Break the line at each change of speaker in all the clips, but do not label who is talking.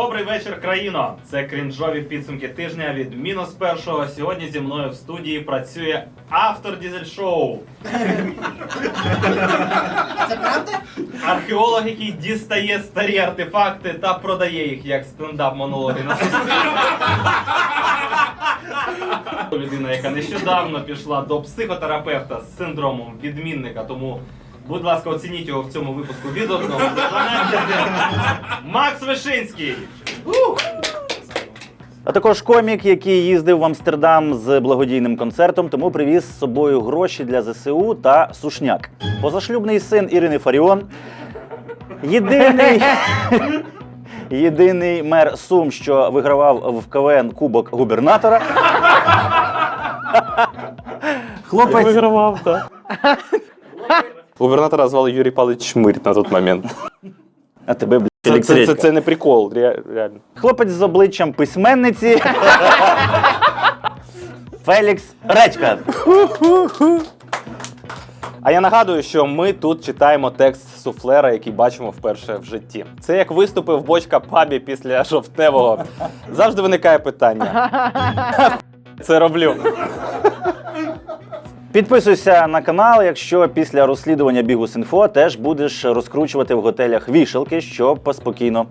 Добрий вечір, країно! Це крінжові підсумки тижня від мінус першого. Сьогодні зі мною в студії працює автор дізель-шоу.
Це правда?
Археолог, який дістає старі артефакти та продає їх як стендап-монологи на суспільстві. Людина, яка нещодавно пішла до психотерапевта з синдромом відмінника, тому, будь ласка, оцініть його в цьому випуску від 1 до 12. Макс Вишинський!
А також комік, який їздив в Амстердам з благодійним концертом, тому привіз з собою гроші для ЗСУ та сушняк. Позашлюбний син Ірини Фаріон. Єдиний мер Сум, що вигравав в КВН Кубок губернатора. Хлопець
Вигравав, так. Губернатора звали Юрій Павлович Чмирь на той момент.
А тебе, блядь,
Це
електричка.
не прикол, реально.
Хлопець з обличчям письменниці. Фелікс Редька.
А я нагадую, що ми тут читаємо текст суфлера, який бачимо вперше в житті. Це як виступи в Бочка пабі після жовтневого. Завжди виникає питання. Це роблю.
Підписуйся на канал, якщо після розслідування Бігус.Інфо теж будеш розкручувати в готелях вішалки, щоб спокійно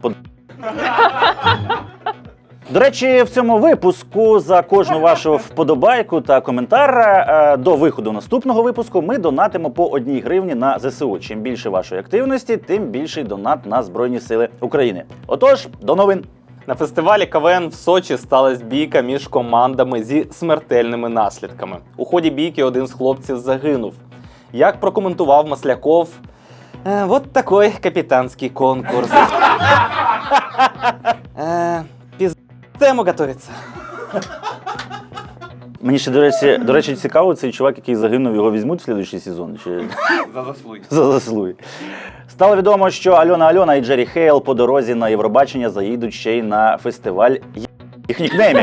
До речі, в цьому випуску за кожну вашу вподобайку та коментар до виходу наступного випуску ми донатимо по 1 гривні на ЗСУ. Чим більше вашої активності, тим більший донат на Збройні Сили України. Отож, до новин!
На фестивалі КВН в Сочі сталася бійка між командами зі смертельними наслідками. У ході бійки один з хлопців загинув. Як прокоментував Масляков, вот такой капітанський конкурс. Тему готується.
Мені ще, до речі, цікаво, цей чувак, який загинув, його візьмуть в слідуючий сезон? Чи...
За заслуги.
За заслуги. Стало відомо, що Альона і Джері Хейл по дорозі на Євробачення заїдуть ще й на фестиваль їх нікнеймів.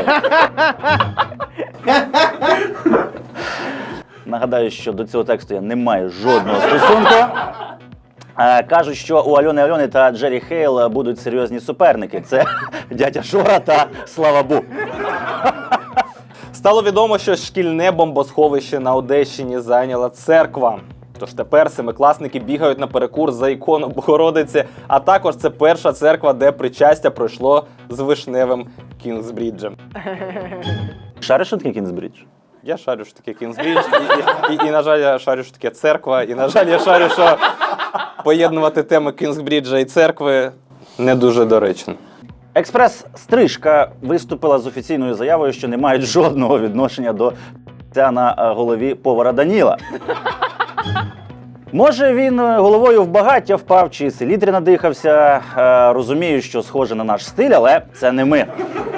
Нагадаю, що до цього тексту я не маю жодного стосунку. Кажуть, що у Альони та Джері Хейл будуть серйозні суперники. Це дядя Жора та Слава Бу.
Стало відомо, що шкільне бомбосховище на Одещині зайняла церква. Тож тепер семикласники бігають на перекур за ікону Богородиці, а також це перша церква, де причастя пройшло з вишневим Кінгсбріджем.
Шариш, що таке Кінгсбрідж?
Я шарю, що таке Кінгсбрідж, і, на жаль, я шарю, що таке церква, і, на жаль, я шарю, що поєднувати теми Кінгсбріджа і церкви не дуже доречно.
Експрес-стрижка виступила з офіційною заявою, що не мають жодного відношення до на голові повара Даніла. Може, він головою в багаття впав чи селітрі надихався. Розумію, що схоже на наш стиль, але це не ми.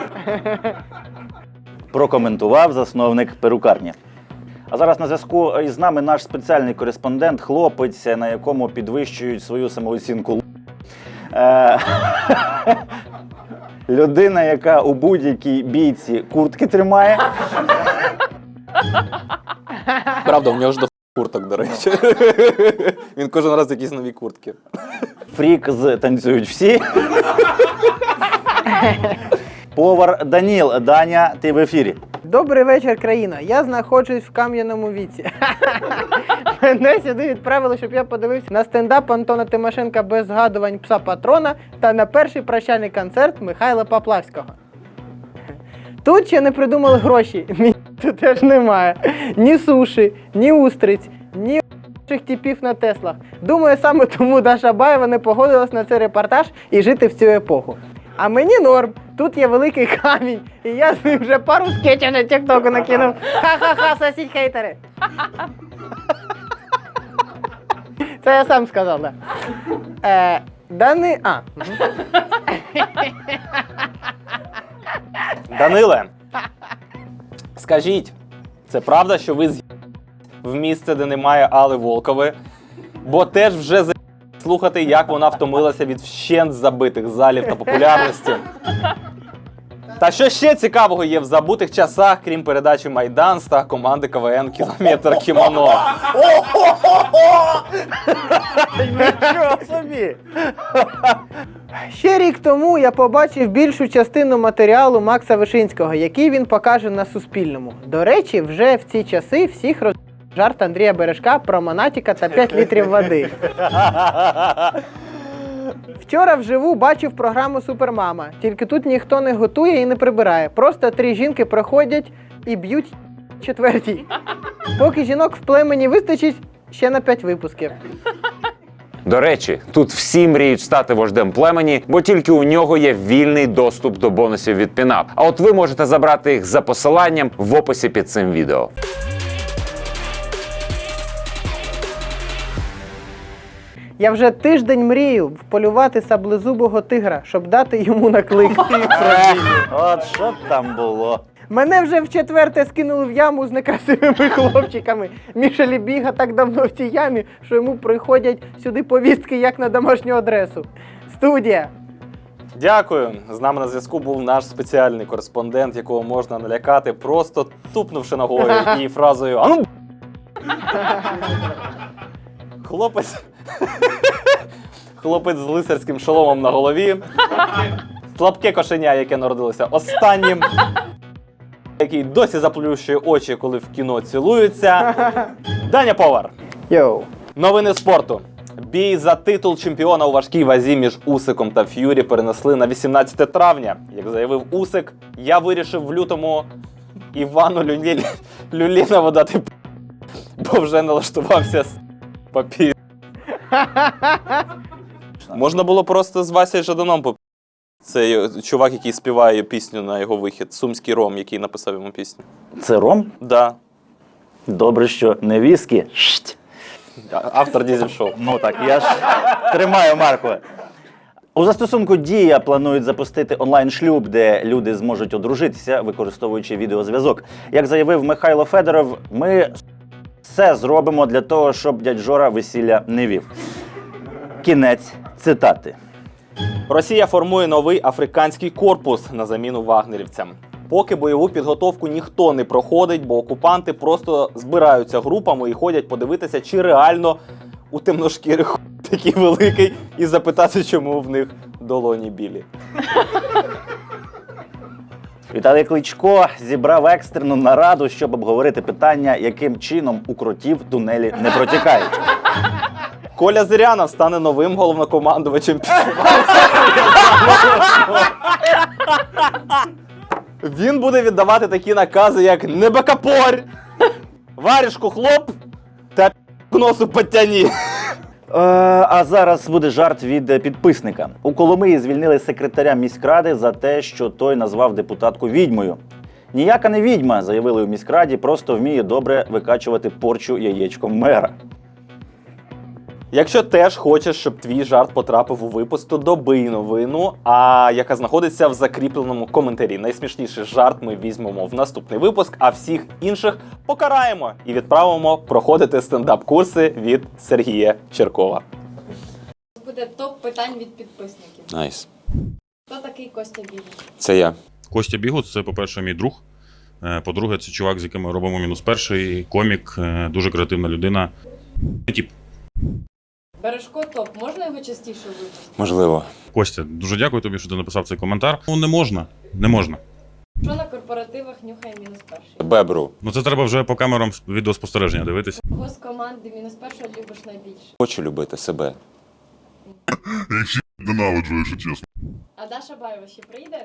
Прокоментував засновник перукарні. А зараз на зв'язку із нами наш спеціальний кореспондент, хлопець, на якому підвищують свою самооцінку. Людина, яка у будь-якій бійці куртки тримає.
Правда, в нього ж до курток, до речі. Він кожен раз якісь нові куртки.
Фрік з «Танцюють всі». Повар Даніл. Даня, ти в ефірі.
Добрий вечір, країна. Я знаходжусь в кам'яному віці. Мене сюди відправили, щоб я подивився на стендап Антона Тимошенка без згадувань пса Патрона та на перший прощальний концерт Михайла Поплавського. Тут ще не придумали гроші. Тут теж немає. Ні суші, ні устриць, ні типів на Теслах. Думаю, саме тому Даша Баєва не погодилась на цей репортаж і жити в цю епоху. А мені норм. Тут є великий камінь, і я з ним вже пару скетчів на тіктоку накинув. Ха-ха-ха, сосіть хейтери. Це я сам сказав, так.
Даниле, скажіть, це правда, що ви в місце, де немає Алли Волкової, бо теж вже слухати, як вона втомилася від вщент забитих залів та популярності. Та що ще цікавого є в забутих часах, крім передачі «Майдан» та команди КВН «Кілометр кімоно»?
Нічого собі!
Ще рік тому я побачив більшу частину матеріалу Макса Вишинського, який він покаже на Суспільному. До речі, вже в ці часи всіх жарт Андрія Бережка про Монатіка та 5 літрів води. Вчора вживу бачив програму «Супермама». Тільки тут ніхто не готує і не прибирає. Просто 3 жінки приходять і б'ють четвертій. Поки жінок в племені вистачить, ще на 5 випусків.
До речі, тут всі мріють стати вождем племені, бо тільки у нього є вільний доступ до бонусів від Пінап. А от ви можете забрати їх за посиланням в описі під цим відео.
Я вже тиждень мрію вполювати саблезубого тигра, щоб дати йому наклик.
От що там було?
Мене вже в четверте скинули в яму з некрасивими хлопчиками. Міша Лібіга так давно в цій ямі, що йому приходять сюди повістки як на домашню адресу. Студія.
Дякую. З нами на зв'язку був наш спеціальний кореспондент, якого можна налякати, просто тупнувши ногою і фразою «Ану!». Хлопець з лицарським шоломом на голові. Слабке кошеня, яке народилося останнім. Який досі заплющує очі, коли в кіно цілуються. Даня Повар.
Йоу.
Новини спорту. Бій за титул чемпіона у важкій вазі між Усиком та Ф'юрі перенесли на 18 травня. Як заявив Усик, я вирішив в лютому Івану Люлінову дати бо вже налаштувався з папір. Можна було просто з Васею Жаданом Це чувак, який співає пісню на його вихід. Сумський Ром, який написав йому пісню.
Це ром?
Да.
Добре, що не віскі. Шть.
Автор дізель-шоу.
Ну так, я ж тримаю марку. У застосунку Дія планують запустити онлайн-шлюб, де люди зможуть одружитися, використовуючи відеозв'язок. Як заявив Михайло Федоров, ми все зробимо для того, щоб дядь Жора весілля не вів. Кінець цитати.
Росія формує новий африканський корпус на заміну вагнерівцям. Поки бойову підготовку ніхто не проходить, бо окупанти просто збираються групами і ходять подивитися, чи реально у темношкірих такий великий, і запитати, чому в них долоні білі.
Віталій Кличко зібрав екстрену нараду, щоб обговорити питання, яким чином у кротів тунелі не протікають.
Коля Зирянов стане новим головнокомандувачем. Він буде віддавати такі накази, як «Не бакапорь», «Варішку хлоп» та «К носу подтяні».
А зараз буде жарт від підписника. У Коломиї звільнили секретаря міськради за те, що той назвав депутатку відьмою. Ніяка не відьма, заявили у міськраді, просто вміє добре викачувати порчу яєчком мера.
Якщо теж хочеш, щоб твій жарт потрапив у випуск, то добий новину, яка знаходиться в закріпленому коментарі. Найсмішніший жарт ми візьмемо в наступний випуск, а всіх інших покараємо і відправимо проходити стендап-курси від Сергія Черкова.
Буде топ питань від підписників.
Найс.
Хто такий Костя Бігус?
Це я.
Костя Бігус – це, по-перше, мій друг. По-друге, це чувак, з яким ми робимо «Мінус перший», комік, дуже креативна людина. Тип.
Бережко топ. Можна його частіше випустити?
Можливо.
Костя, дуже дякую тобі, що ти написав цей коментар. Ну, не можна. Не можна.
Що на корпоративах нюхає мінус перший?
Бебру.
Ну, це треба вже по камерам відеоспостереження дивитися.
Кого з команди мінус першого любиш найбільше?
Хочу любити себе.
Ненавиджу, якщо чесно.
А Даша Баєва ще прийде?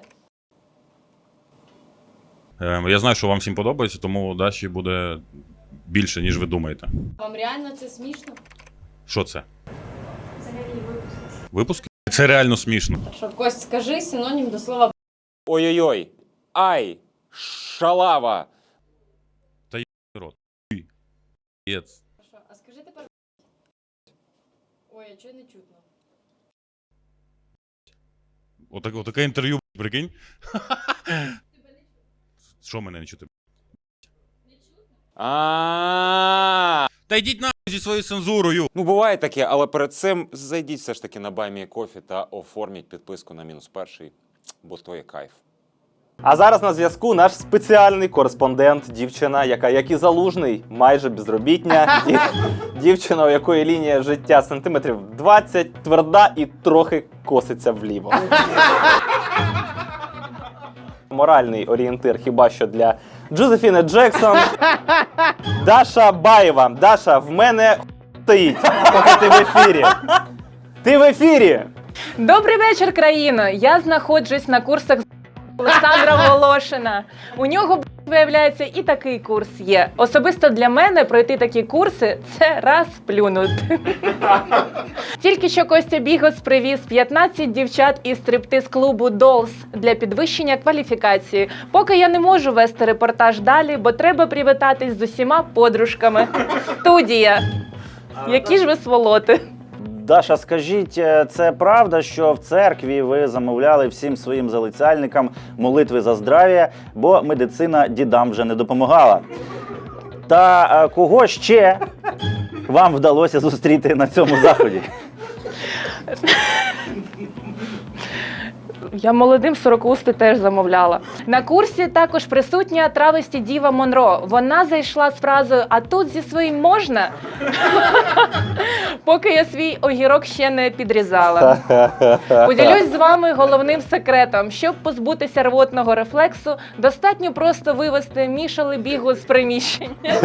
Я знаю, що вам всім подобається, тому Даші буде більше, ніж ви думаєте.
Вам реально це смішно?
Що це?
Взагалі випуск.
Випуск? Це реально смішно.
Що, Кость, скажи синонім до слова
Ой-ой-ой. Ай. Шалава.
Рот. Єц.
«Що». А скажи тепер Ой, а чого не чутно?
Отаке інтерв'ю, прикинь. Що мене не чути?
А.
Та йдіть нахуй зі своєю цензурою.
Ну, буває таке, але перед цим зайдіть все ж таки на BuyMeCoffee та оформіть підписку на «Мінус перший», бо то є кайф.
А зараз на зв'язку наш спеціальний кореспондент, дівчина, яка, як і Залужний, майже безробітня. Дівчина, у якої лінія життя сантиметрів 20, тверда і трохи коситься вліво. Моральний орієнтир хіба що для Джозефіни Джексон. Даша Баєва. Даша, в мене стоїть, поки ти в ефірі. Ти в ефірі!
Добрий вечір, країно! Я знаходжусь на курсах з Олександра Волошина. У нього, виявляється, і такий курс є. Особисто для мене пройти такі курси – це раз плюнути. Тільки що Костя Бігос привіз 15 дівчат із стриптиз-клубу Dolls для підвищення кваліфікації. Поки я не можу вести репортаж далі, бо треба привітатись з усіма подружками. Студія! Які ж ви сволоти!
Даша, скажіть, це правда, що в церкві ви замовляли всім своїм залицяльникам молитви за здрав'я, бо медицина дідам вже не допомагала? Та кого ще вам вдалося зустріти на цьому заході?
Я молодим сорокусти теж замовляла. На курсі також присутня травесті Діва Монро. Вона зайшла з фразою «А тут зі своїм можна?» Поки я свій огірок ще не підрізала. Поділюсь з вами головним секретом. Щоб позбутися рвотного рефлексу, достатньо просто вивести Мішали Бігу з приміщення.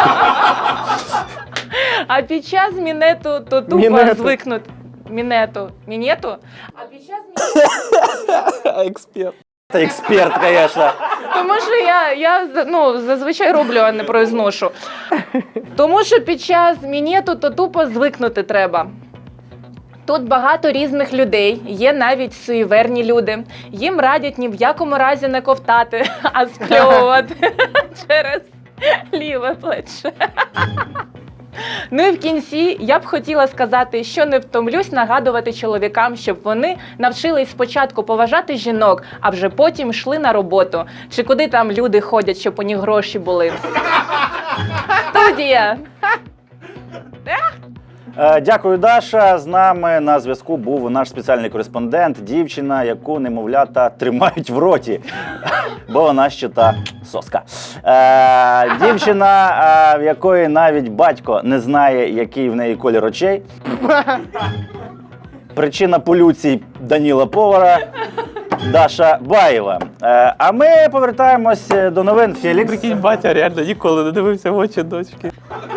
А під час мінету то тупо звикнути. Мінету. А під час
Експерт.
Та експерт, звісно.
Тому що я зазвичай роблю, а не произношу. Тому що під час мінету то тупо звикнути треба. Тут багато різних людей, є навіть суєверні люди. Їм радять ні в якому разі не ковтати, а спльовувати через ліве плече. Ну і в кінці я б хотіла сказати, що не втомлюсь нагадувати чоловікам, щоб вони навчились спочатку поважати жінок, а вже потім йшли на роботу. Чи куди там люди ходять, щоб у них гроші були. Студія!
Дякую, Даша. З нами на зв'язку був наш спеціальний кореспондент, дівчина, яку немовлята тримають в роті, бо вона ще та соска. Дівчина, в якої навіть батько не знає, який в неї колір очей. Причина полюцій Даніла Повара. Даша Баєва. А ми повертаємось до новин. Фелікс.
Прикинь, батя реально ніколи не дивився в очі дочки.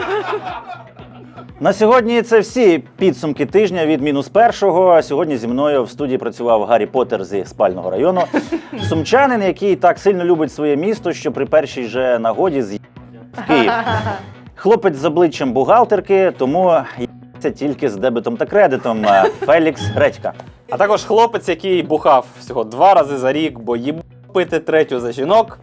На сьогодні це всі підсумки тижня від «Мінус-1». Сьогодні зі мною в студії працював Гаррі Поттер зі спального району. Сумчанин, який так сильно любить своє місто, що при першій же нагоді з'їхав в Київ. Хлопець з обличчям бухгалтерки, тому є тільки з дебетом та кредитом. Фелікс Редька.
А також хлопець, який бухав всього 2 рази за рік, бо їб пити 3-ю за жінок.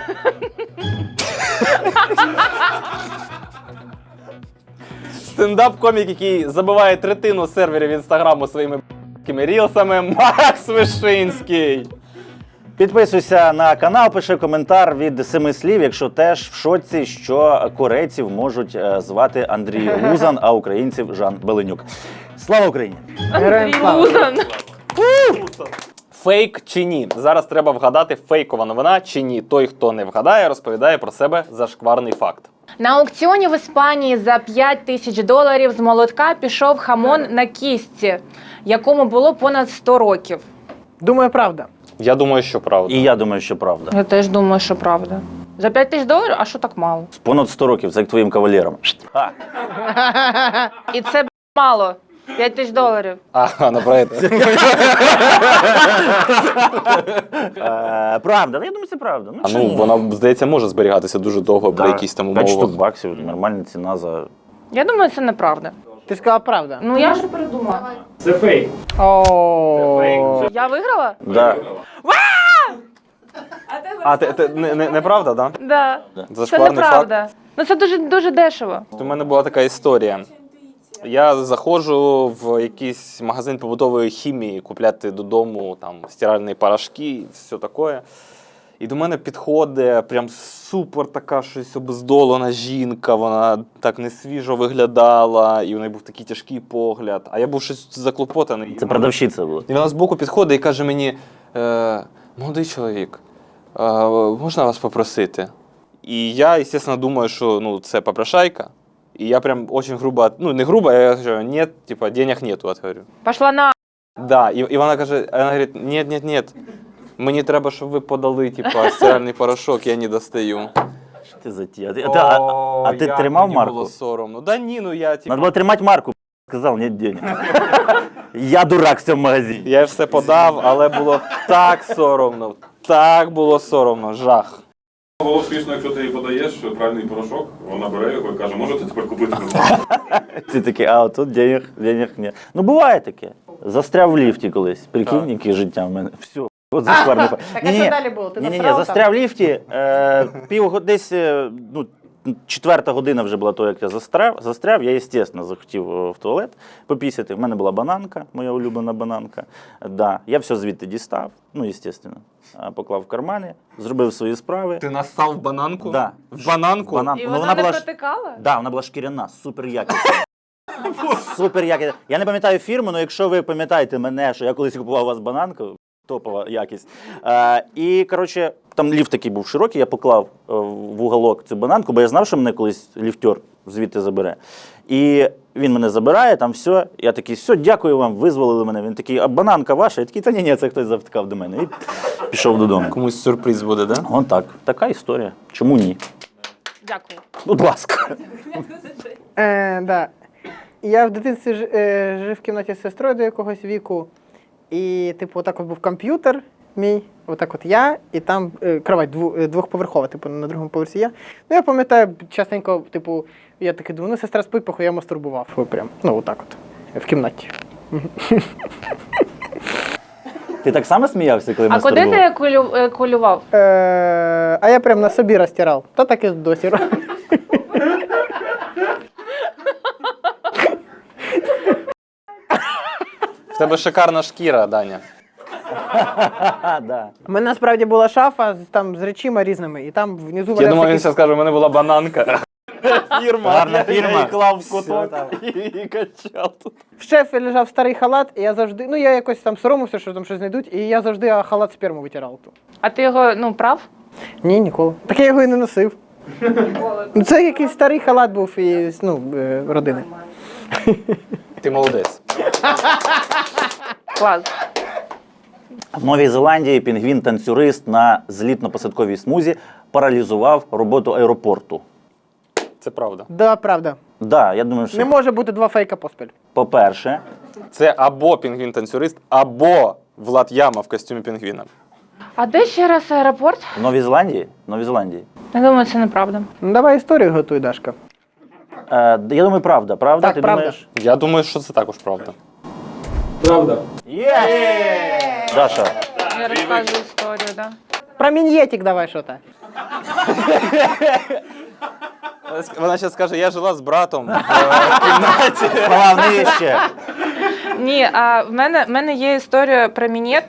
Стендап-комік, який забиває 1/3 серверів інстаграму своїми рілсами, Макс Вишинський.
Підписуйся на канал, пиши коментар від 7 слів, якщо теж в шоці, що корейців можуть звати Андрій Лузан, а українців Жан Беленюк. Слава Україні!
Героям слава!
Лузан.
Фейк чи ні? Зараз треба вгадати, фейкова новина чи ні. Той, хто не вгадає, розповідає про себе зашкварний факт.
На аукціоні в Іспанії за $5000 з молотка пішов хамон на кістці, якому було понад 100 років.
Думаю, правда.
Я думаю, що правда.
І я думаю, що правда.
Я теж думаю, що правда. За $5000? А що так мало?
Понад 100 років, це як твоїм кавалером.
І це мало. $5000.
А, напроти.
Правда, я думаю, це правда.
А
чому
ну,
ні?
вона, здається, може зберігатися дуже довго при якійсь там
5 штук
умовах.
баксів, нормальна ціна за...
Я думаю, це неправда.
Ти сказала правда.
Ну я ж придумала.
Це фейк.
О.
Я виграла?
Да.
А, неправда, так?
Да. Це
Зашкварний факт.
неправда. Ну це дуже дешево.
У мене була така історія. Я заходжу в якийсь магазин побутової хімії купляти додому там стиральні порошки, все таке. І до мене підходить прям супер така щось обездолена жінка, вона так несвіжо виглядала, і у неї був такий тяжкий погляд. А я був щось заклопотаний.
Це продавщиця була.
І вона збоку підходить і каже мені: молодий чоловік, можна вас попросити? І я, звісно, думаю, що це попрошайка. І я прям очень грубо, не грубо, я говорю, нет, типа, денег нету, говорю.
Пошла на.
Да, і вона каже, вона говорить, ні, мені треба, щоб ви подали, типа, стиральний порошок, я не достаю.
Що ти за ті? А ти
як
тримав
мені
марку?
було соромно. Да ні, ну я, типа,
Надо було тримати марку, сказав, нет денег. Я дурак в цьому магазині.
я все подав, але було так соромно, так було соромно, жах.
Було смішно, якщо ти їй подаєш пральний порошок, вона бере його і каже, можете тепер купити?
Ти такий, а тут денег ні. Ну буває таке. Застряв в ліфті колись. Прикинь, яке життя в мене. Все. От зашкварний.
Так а що далі було? Ти
Ні,
насрав там?
застряв в ліфті. Десь, ну, 4-та година вже була того, як я застряв. Я, звісно, захотів в туалет попісяти. В мене була бананка, моя улюблена бананка. Да. Я все звідти дістав, ну, звісно. Поклав в кармани, зробив свої справи.
Ти нассав в бананку?
Да.
В бананку?
Бананку.
І
Ну,
вона не
була
протикала?
Да, вона була шкіряна, супер якісна. Супер якісна. Я не пам'ятаю фірму, але якщо ви пам'ятаєте мене, що я колись купував у вас бананку, топова якість. І, коротше, там ліфт такий був широкий, я поклав в уголок цю бананку, бо я знав, що мене колись ліфтер звідти забере. І він мене забирає, там все. Я такий, все, дякую вам, визволили мене. Він такий, а бананка ваша? Я такий, та ні, це хтось завтикав до мене. І пішов додому.
Комусь сюрприз буде, да?
Вон так. Така історія. Чому ні?
Дякую.
Будь ласка.
Да. Я в дитинстві жив в кімнаті з сестрою до якогось віку. І, типу, отак от був комп'ютер мій, отак от я, і там кровать двохповерхова, типу, на другому поверсі я. Ну, я пам'ятаю, частенько, типу, я такий думаю, ну, сестра спить, похуй, я мастурбував. Прям, ну, отак от, в кімнаті.
Ти так само сміявся, коли
А куди ти кулював?
А я прям на собі розтирав. Та так і досі роблю.
В тебе шикарна шкіра, Даня.
Да.
У мене насправді була шафа з речима різними, і там внизу
Я
валявся
думав, він
якийсь-
зараз скаже, у мене була бананка. Фірма.
Гарна
Я
фірма.
її клав в
Все
куток
там.
і качав тут.
В шефі лежав старий халат, і я завжди, ну я якось там соромився, що там щось знайдуть, і я завжди халат сперму витирав.
А ти його, ну, прав?
Ні, ніколи. Так я його і не носив. Ну, це якийсь старий халат був із родини.
Ти молодець.
Клас.
В Новій Зеландії пінгвін-танцюрист на злітно-посадковій смузі паралізував роботу аеропорту.
Це правда.
Да, правда.
Да, я думаю, що,
Не може бути два фейка поспіль.
по-перше,
Це або пінгвін-танцюрист, або Влад Яма в костюмі пінгвіна.
А де ще раз аеропорт?
в Новій Зеландії,
Я думаю, це неправда.
Ну давай історію готуй, Дашка.
я думаю, правда. Правда?
Так,
Ти
правда.
думаєш?
Я думаю, що це також правда.
Даша,
Я розказую історію, да.
Про мін'єтик давай що-то.
Вона зараз скаже, я жила з братом в кімнаті.
слова нижче.
Ні, а в мене є історія про мінет.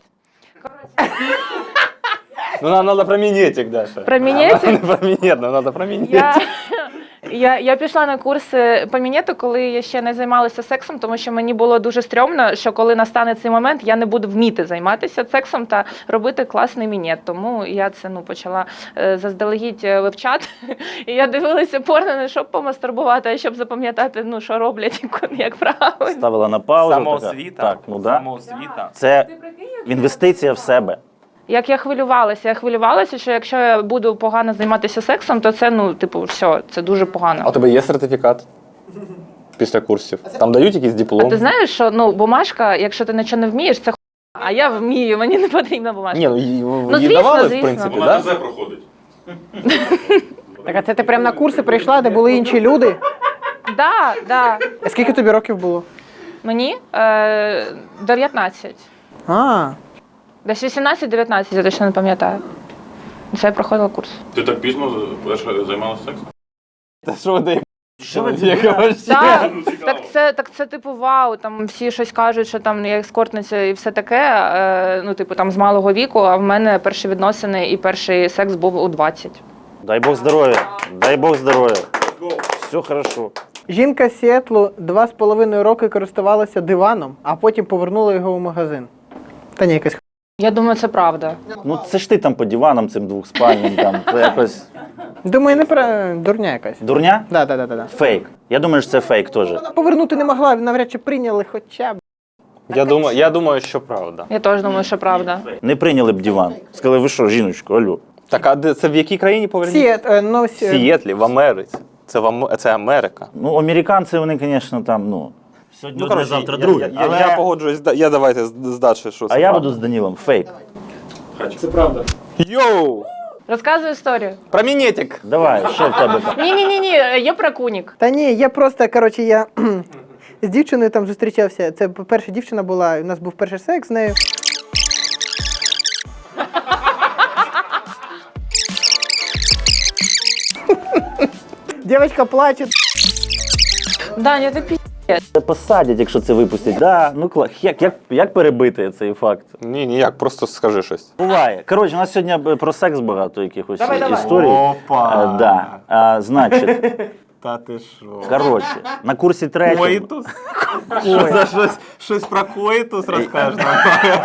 Ну, нам треба про мінетик, Даша.
Про мінетик?
Не про мінет, нам треба про мінетик.
Я пішла на курси по мінету, коли я ще не займалася сексом, тому що мені було дуже стрьомно, що коли настане цей момент, я не буду вміти займатися сексом та робити класний мінет. Тому я це почала заздалегідь вивчати. І я дивилася порно не щоб помастурбувати, а щоб запам'ятати, що роблять, як правильно.
Ставила на паузу.
Самоосвіта.
Так, ну да.
Самоосвіта.
Це інвестиція в себе.
Як я хвилювалася, що якщо я буду погано займатися сексом, то це, все, це дуже погано.
А у тебе є сертифікат після курсів? Там дають якийсь диплом?
А ти знаєш, що бумажка, якщо ти нічого не вмієш, це а я вмію, мені не потрібна бумажка.
Ні, її
звісно,
давали, в
звісно.
принципі,
Вона
да?
ТЗ проходить.
Так а це ти прям на курси прийшла, де були інші люди?
Да.
А скільки тобі років було?
Мені 19.
А,
Десь 18-19, я точно не пам'ятаю. Це я проходила курс.
Ти так пізно перше займалася сексом?
Та що ви даєте?
Що ви
Так, це типу вау, там всі щось кажуть, що там я ескортниця і все таке, там з малого віку, а в мене перші відносини і перший секс був у 20.
Дай Бог здоров'я. Дай Бог здоров'я. Все хорошо.
жінка з Сіетлу 2,5 роки користувалася диваном, а потім повернула його в магазин. Та ні, якась
Я думаю, це правда.
Ну це ж ти там по диванам цим двохспальним, там, це якось...
Думаю, не про дурня якась.
Дурня?
Да.
Фейк. Я думаю, що це фейк теж.
Повернути не могла, навряд чи прийняли хоча б.
Я думаю, що правда.
Я теж думаю, що правда.
Не прийняли б диван. Сказали, ви що, жіночко, алло.
Так, а це в якій країні поверніть? В Сієтлі, в Америці. Це Америка.
Ну, американці, вони, звісно, там, ну. Сьогодні одне, завтра друге.
Я погоджуюсь, я давайте з Дашою, що це
А я
правда.
буду з Данілом. Фейк.
Йоу!
Розказую історію.
Про мінетик.
Давай, що в тебе там?
Ні, є про кунік.
Та ні, я просто, коротше, я з дівчиною там зустрічався. Це перша дівчина була, у нас був перший секс з нею. Дівчинка плаче.
Даня, ти пі...
Це посадять, якщо це випустять. Да, ну як перебити цей факт?
Ні, ніяк, просто скажи щось.
Буває. Коротше, у нас сьогодні про секс багато якихось
Давай.
історій.
Опа!
Да. Значить,
Та ти що?
коротше, на курсі третьому.
Коїтус? Щось про коїтус розкажеш нам?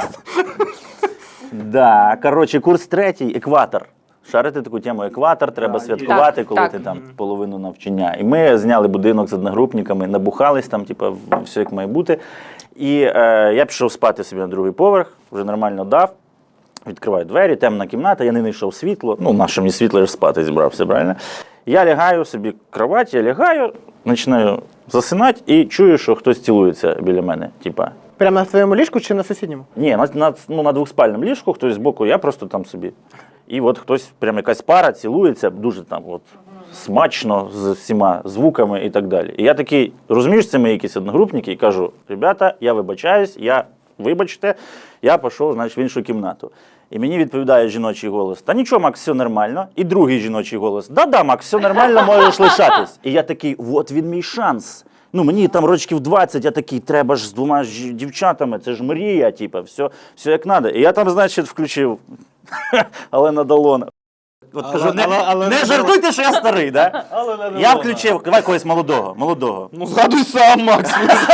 Да, коротше, курс третій, екватор. Шарити таку тему екватор, треба святкувати,
Так,
коли
так.
ти там половину навчання. І ми зняли будинок з одногрупниками, набухались там, типу, все як має бути. І я пішов спати собі на другий поверх, вже нормально дав. Відкриваю двері, темна кімната, я не знайшов світло. Ну, наше мені світло, я ж спати зібрався, правильно? Я лягаю собі в кровать, я лягаю, починаю засинати і чую, що хтось цілується біля мене. Типа.
Прямо на своєму ліжку чи на сусідньому?
Ні, на двохспальному ліжку, хтось збоку, я просто там собі. І от хтось, прям якась пара цілується, дуже там от смачно, з всіма звуками і так далі. І я такий, розумієш, це мої якісь одногрупники, і кажу: ребята, я вибачаюсь, вибачте, я пішов, значить, в іншу кімнату. І мені відповідає жіночий голос: та нічого, Макс, все нормально. І другий жіночий голос: да-да, Макс, все нормально, можеш лишатись. І я такий, от він мій шанс. Ну, мені там рочків 20, я такий, треба ж з двома дівчатами, це ж мрія, типу, все як треба. І я там, значить, включив Алена Долона. От кажу, не жартуйте, що я старий, да? Я включив, давай когось молодого.
Ну згадуй сам, Макс.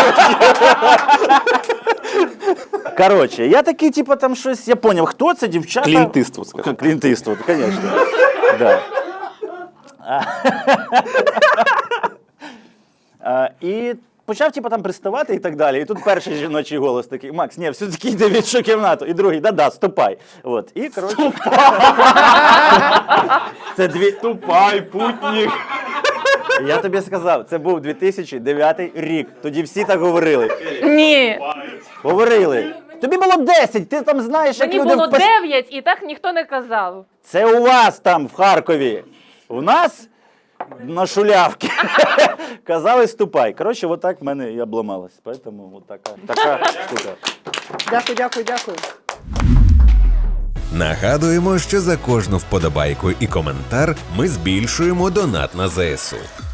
Коротше, я такий, типу, там щось, я поняв, хто це, дівчата?
Клінт Іствуд, скажи.
Клінт Іствуд, звісно. Да. І почав, типу, там приставати і так далі. І тут перший жіночий голос такий: Макс, ні, все-таки йди в іншу кімнату. І другий: да-да, ступай. От. І, коротше... Це
Ступай, путник.
Я тобі сказав, це був 2009 рік. Тоді всі так говорили.
Ні,
Говорили. Тобі було 10, ти там знаєш, як
мені
люди...
було 9 і так ніхто не казав.
Це у вас там, в Харкові. У нас на шулявки. Казали, ступай. Коротше, отак в мене і обламалось. Поэтому от така штука.
Дякую.
Нагадуємо, що за кожну вподобайку і коментар ми збільшуємо донат на ЗСУ.